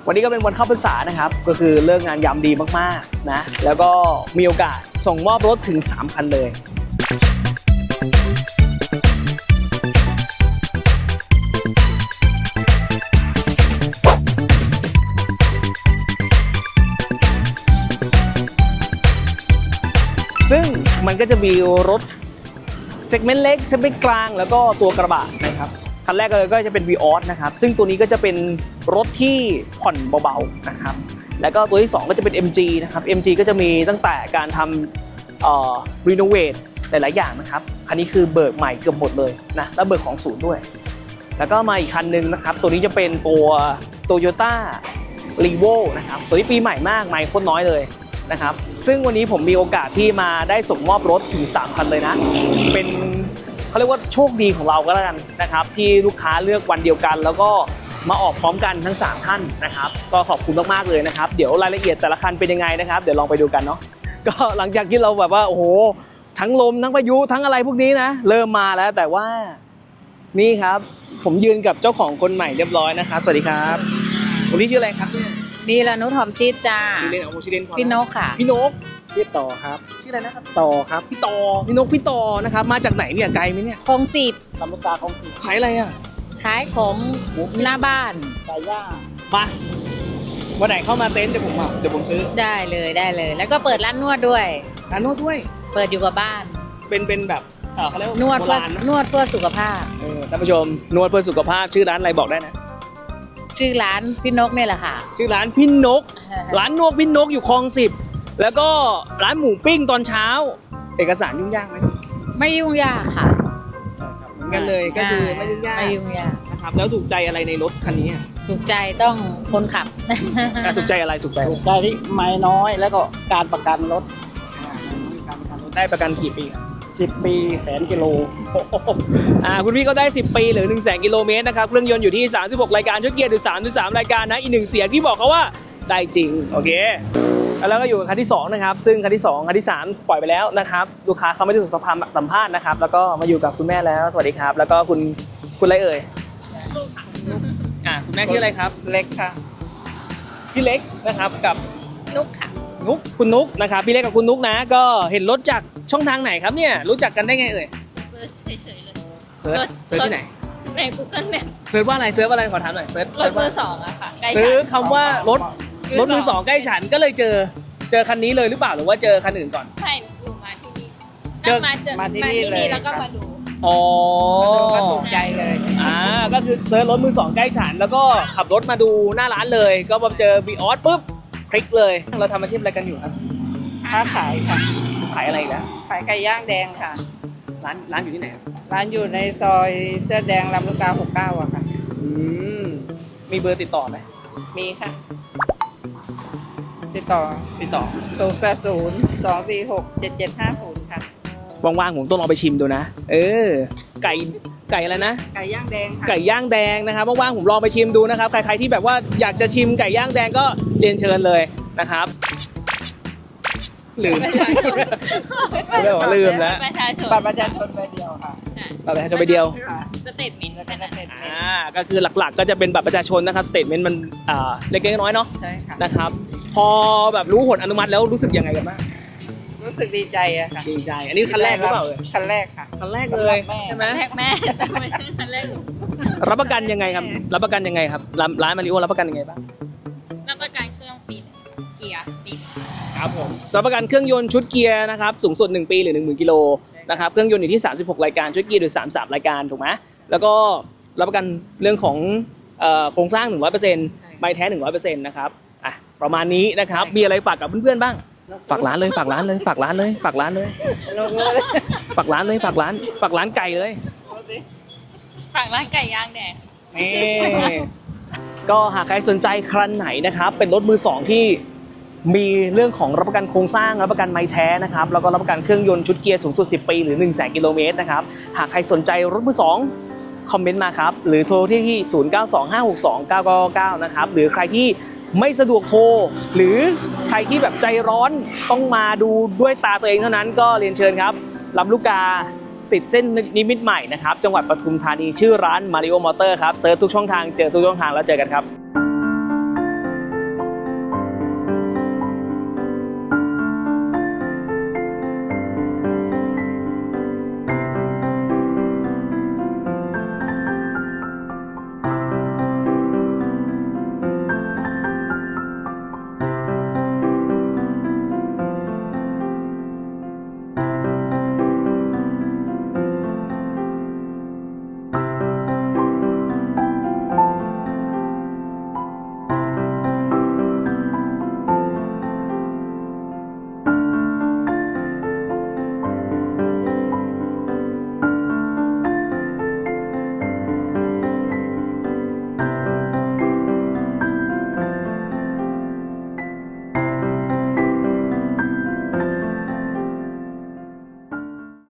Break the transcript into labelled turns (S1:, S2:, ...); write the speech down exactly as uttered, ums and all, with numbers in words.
S1: วันนี้ก็เป็นวันเข้าพรรษานะครับก็คือเลิกงานยามดีมากๆนะแล้วก็มีโอกาสส่งมอบรถถึงสามคันเลยซึ่งมันก็จะมีรถเซกเมนต์เล็กเซกเมนต์กลางแล้วก็ตัวกระบะนะครับคันแรกเลยก็จะเป็น Vios นะครับซึ่งตัวนี้ก็จะเป็นรถที่ผ่อนเบาๆนะครับแล้วก็ตัวที่สองก็จะเป็น เอ็ม จี นะครับ เอ็ม จี ก็จะมีตั้งแต่การทำเอ่อรีโนเวทหลายๆอย่างนะครับคันนี้คือเบิกใหม่เกือบหมดเลยนะแล้วเบิกของศูนย์ด้วยแล้วก็มาอีกคันนึงนะครับตัวนี้จะเป็นตัว Toyota Revo นะครับตัวนี้ปีใหม่มากใหม่โคตรน้อยเลยนะครับซึ่งวันนี้ผมมีโอกาสที่มาได้ส่งมอบรถถึงสามคันเลยนะเป็นเขาเรียกว่าโชคดีของเราก็แล้วกันนะครับที่ลูกค้าเลือกวันเดียวกันแล้วก็มาออกพร้อมกันทั้งสามท่านนะครับก็ขอบคุณมากๆเลยนะครับเดี๋ยวรายละเอียดแต่ละคันเป็นยังไงนะครับเดี๋ยวลองไปดูกันเนาะก็หลังจากที่เราแบบว่าโอ้โหทั้งลมทั้งพายุทั้งอะไรพวกนี้นะเริ่มมาแล้วแต่ว่านี่ครับผมยืนกับเจ้าของคนใหม่เรียบร้อยนะครับสวัสดีครับคุณพี่ชื่ออะไรครับเนี่ย
S2: ดีละนุชหอมชีสจ้า
S1: ชื่อเล่นเอาชื่อเล่น
S2: พี่นกค่ะ
S1: พี่นก
S3: ชื่อต่อครับ
S1: ชื่ออะไรนะครับ
S3: ต่อครับ
S1: พี่ต่อพี่นกพี่ต่อนะครับมาจากไหนเนี่ยไกลไหมเนี่ย
S2: คลองสิบ
S3: ลำลูกกาของสี
S1: ขายอะไรอ่ะ
S2: ขายของหน้าบ้าน
S3: ไก่ย่าง
S1: มาวันไหนเข้ามาเต็นท์เดี๋ยวผมเอาเดี๋ยวผมซื้อ
S2: ได้เลยได้เลยแล้วก็เปิดร้านนวดด้วย
S1: ร้านนวดด้วย
S2: เปิดอยู่กับบ้าน
S1: เป็นเป็นแบบเออเขาเรียกว่าน
S2: วดเพื่อนวดเพื่อสุขภาพ
S1: เออท่านผู้ชมนวดเพื่อสุขภาพชื่อร้านอะไรบอกได้นะ
S2: ชื่อร้านพี่นกเนี่ยแหละค่ะ
S1: ชื่อร้านพี่นกร้านนวดพี่นกอยู่คลองสิบแล้วก็ร้านหมูปิ้งตอนเช้าเอกสารยุ่งยากไหม
S2: ไม่ยุ่งยากค่ะ
S1: ใช่ครับเหมือนกันเลยก็คือไม่ยุ่งยาก
S2: ไม่ยุ่งยาก
S1: นะครับแล้วถูกใจอะไรในรถคันนี้
S2: ถูกใจต้องคนขับ
S1: ถูกใจอะไรถูกใจ
S3: ถูกใจที่ไม่น้อยแล้วก็การประกันรถ
S1: การประกันรถได้ประกันกี่ปี
S3: สิบปีแสนกิโล
S1: อ่าคุณพี่ก็ได้สิบปีหรือหนึ่งแสนกิโลเมตรนะครับเครื่องยนต์อยู่ที่สามสิบหกรายการชุดเกียร์หรือสามสิบสามรายการนะอีกหนึ่งเสียงที่บอกเขาว่าได้จริงโอเคแล้วก็อยู่คันที่สองนะครับซึ่งคันที่สองคันที่สามปล่อยไปแล้วนะครับลูกค้าเขาไม่ได้ถูกสัมภาษณ์นะครับแล้วก็มาอยู่กับคุณแม่แล้วสวัสดีครับแล้วก็คุณคุณอะไรเอ่ยอ่าคุณแม่ชื่ออะไรครับ
S2: เล็กค่ะ
S1: พี่เล็กนะครับกับ
S2: นุกค่ะ
S1: นุกคุณนุกนะครับพี่เล็กกับคุณนุกนะก็เห็นรถจากช่องทางไหนครับเนี่ยรู้จักกันได้ไงเอ่ย
S4: เซิร์ชเฉยๆเลย
S1: เซิร์ชเซิร์ชที่ไหน
S4: ใน Google Map
S1: เซิร์ชว่าอะไรเซิร์ชว่าอะไรขอถามหน่อยเซิร์ช
S4: รถมือสองอะค่ะ
S1: เซิร์ชคำว่ารถรถมือสองใกล้ฉันก็เลยเจอเจอคันนี้เลยหรือเปล่าหรือว่าเจอคันอื่นก่อน
S4: ใช่ดูมาที่นี่เจอมาเจอมาที่นี่เลยแล้วก็มาดู
S1: อ๋อ
S2: ก็ถูกใจเลย
S1: อ่าก็คือเซิร์ชรถมือสองใกล้ฉันแล้วก็ขับรถมาดูหน้าร้านเลยก็พอเจอ Vios ปุ๊บคลิกเลยเราทำอาชีพอะไรกันอยู่ครับ
S2: ค้าขายค่ะ
S1: ขายอะไรอีกแล้ว
S2: ขายไก่ย่างแดงค่ะ
S1: ร้านร้านอยู่ที่ไหน
S2: ร้านอยู่ในซอยเสื้อแดงลำลูกกาหกเก้าอะค่ะ
S1: อืมมีเบอร์ติดต่อไหม
S2: มีค่ะติดต่อ
S1: ติดต่อ
S2: ศูนย์แปดศูนย์สองสี่หกเจ็ดเจ็ดห้าศูนย์ค่ะ
S1: ว่างๆผมต้องลองไปชิมดูนะเออไก่ไก่อะไรนะ
S2: ไก่ย่างแดงค่ะ
S1: ไก่ย่างแดงนะครับว่างๆผมลองไปชิมดูนะครับใครๆที่แบบว่าอยากจะชิมไก่ย่างแดงก็เรียนเชิญเลยนะครับลืมไม่ได้บอกลืมแล้ว
S4: ประชาชน
S2: บัตรประชาชนใบเดียวค่ะ
S1: บัตรประชาชนใบเดียว
S4: สเตทเมนต์แค่นั้น
S1: อ่าก็คือหลักๆก็จะเป็นบัตรประชาชนนะครับสเตทเมนต์มันอ่าเล็กๆน้อยๆเนาะ
S2: ใช่ค่ะ
S1: นะครับพอแบบรู้ผลอนุมัติแล้วรู้สึกยังไงกันบ้าง
S2: รู้สึกดีใจอะค่ะ
S1: ดีใจอันนี้คันแรกหรือเปล่าเลย
S2: คันแรกค่ะ
S1: คันแรกเลย
S4: ใช่ไหมแรกแม่คันแรก
S1: รับประกันยังไงครับรับประกันยังไงครับร้านมาริโอรับประกันยังไงบ้าง
S4: รับประกันเครื่องปีเกียร์ปี
S1: ครับผมรับประกันเครื่องยนต์ชุดเกียร์นะครับสูงสุดหนึ่งปีหรือ หนึ่งหมื่น กิโลนะครับเครื่องยนต์อยู่ที่สามสิบหกรายการชุดเกียร์หรือสามสิบสามรายการถูกไหมแล้วก็รับประกันเรื่องของโครงสร้าง หนึ่งร้อยเปอร์เซ็นต์ ใบแท้ หนึ่งร้อยเปอร์เซ็นต์ นะครับอ่ะประมาณนี้นะครับมีอะไรฝากกับเพื่อนๆบ้างฝากร้านเลยฝากร้านเลยฝากร้านเลยฝากร้านเลยฝากร้านเลยฝากร้านฝากร้านไก่เลย
S4: ฝากร้านไก่ย่างแดง
S1: นี่ก็หากใครสนใจคันไหนนะครับเป็นรถมือสองที่มีเรื่องของรับประกันโครงสร้างรับประกันไม้แท้นะครับแล้วก็รับประกันเครื่องยนต์ชุดเกียร์สูงสุดสิบปีหรือ หนึ่งแสน กิโลเมตรนะครับหากใครสนใจรถมือสองคอมเมนต์มาครับหรือโทรที่ที่ศูนย์ เก้า สอง ห้า หก สอง เก้า เก้า เก้านะครับหรือใครที่ไม่สะดวกโทรหรือใครที่แบบใจร้อนต้องมาดูด้วยตาตัวเองเท่านั้นก็เรียนเชิญครับลำลูกกาติดเส้นนิมิตรใหม่นะครับจังหวัดปทุมธานีชื่อร้าน Mario Motor ครับเซิร์ชทุกช่องทางเจอทุกช่องทางแล้วเจอกันครับ